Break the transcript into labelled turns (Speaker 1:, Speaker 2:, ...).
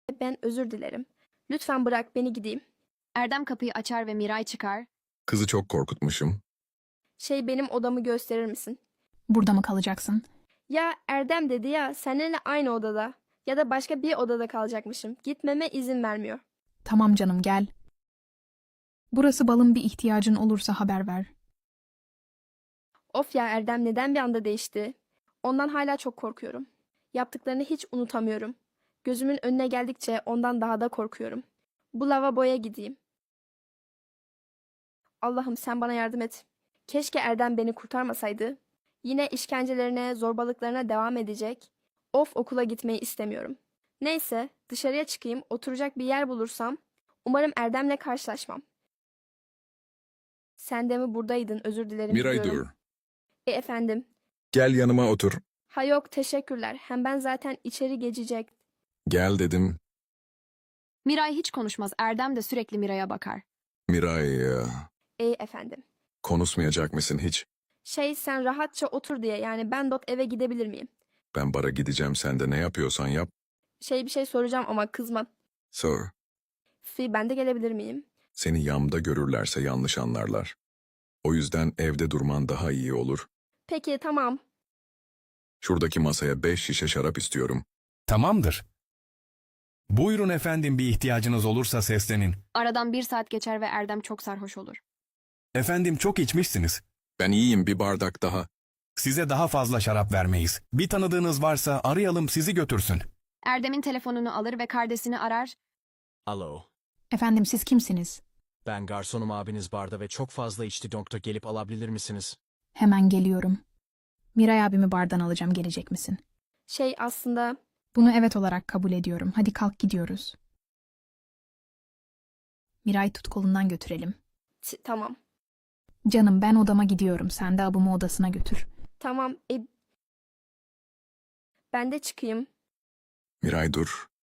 Speaker 1: Ben özür dilerim. Lütfen bırak beni gideyim.
Speaker 2: Erdem kapıyı açar ve Miray çıkar.
Speaker 3: Kızı çok korkutmuşum.
Speaker 1: Benim odamı gösterir misin?
Speaker 4: Burada mı kalacaksın?
Speaker 1: Ya Erdem dedi ya seninle aynı odada. Ya da başka bir odada kalacakmışım. Gitmeme izin vermiyor.
Speaker 4: Tamam canım gel. Burası balın, bir ihtiyacın olursa haber ver.
Speaker 1: Of ya Erdem neden bir anda değişti? Ondan hala çok korkuyorum. Yaptıklarını hiç unutamıyorum. Gözümün önüne geldikçe ondan daha da korkuyorum. Bu lavaboya gideyim. Allah'ım sen bana yardım et. Keşke Erdem beni kurtarmasaydı. Yine işkencelerine, zorbalıklarına devam edecek. Of okula gitmeyi istemiyorum. Neyse dışarıya çıkayım, oturacak bir yer bulursam. Umarım Erdem'le karşılaşmam. Sen de mi buradaydın? Özür dilerim.
Speaker 3: Miray
Speaker 1: gidiyorum.
Speaker 3: dur.
Speaker 1: Efendim.
Speaker 3: Gel yanıma otur.
Speaker 1: Ha yok teşekkürler. Hem ben zaten içeri geçecek.
Speaker 3: Gel dedim.
Speaker 2: Miray hiç konuşmaz. Erdem de sürekli Miray'a bakar.
Speaker 3: Miray
Speaker 1: Efendim.
Speaker 3: konuşmayacak mısın hiç?
Speaker 1: Sen rahatça otur diye yani ben eve gidebilir miyim?
Speaker 3: Ben bara gideceğim, sen de ne yapıyorsan yap.
Speaker 1: Bir şey soracağım ama kızma.
Speaker 3: Sor.
Speaker 1: Ben de gelebilir miyim?
Speaker 3: Seni yamda görürlerse yanlış anlarlar. O yüzden evde durman daha iyi olur.
Speaker 1: Peki tamam.
Speaker 3: Şuradaki masaya 5 şişe şarap istiyorum.
Speaker 5: Tamamdır. Buyurun efendim, bir ihtiyacınız olursa seslenin.
Speaker 2: Aradan 1 saat geçer ve Erdem çok sarhoş olur.
Speaker 5: Efendim çok içmişsiniz.
Speaker 3: Ben iyiyim, bir bardak daha.
Speaker 5: Size daha fazla şarap vermeyiz. Bir tanıdığınız varsa arayalım, sizi götürsün.
Speaker 2: Erdem'in telefonunu alır ve kardeşini arar.
Speaker 6: Alo,
Speaker 4: Efendim siz kimsiniz?
Speaker 6: ben garsonum, abiniz barda ve çok fazla içti, doktor gelip alabilir misiniz?
Speaker 4: Hemen geliyorum. Miray abimi bardan alacağım, gelecek misin?
Speaker 1: Aslında
Speaker 4: Bunu evet olarak kabul ediyorum. Hadi kalk gidiyoruz. Miray tut kolundan götürelim.
Speaker 1: tamam.
Speaker 4: Canım ben odama gidiyorum. Sen de abımı odasına götür.
Speaker 1: Tamam. Ben de çıkayım.
Speaker 3: Miray dur.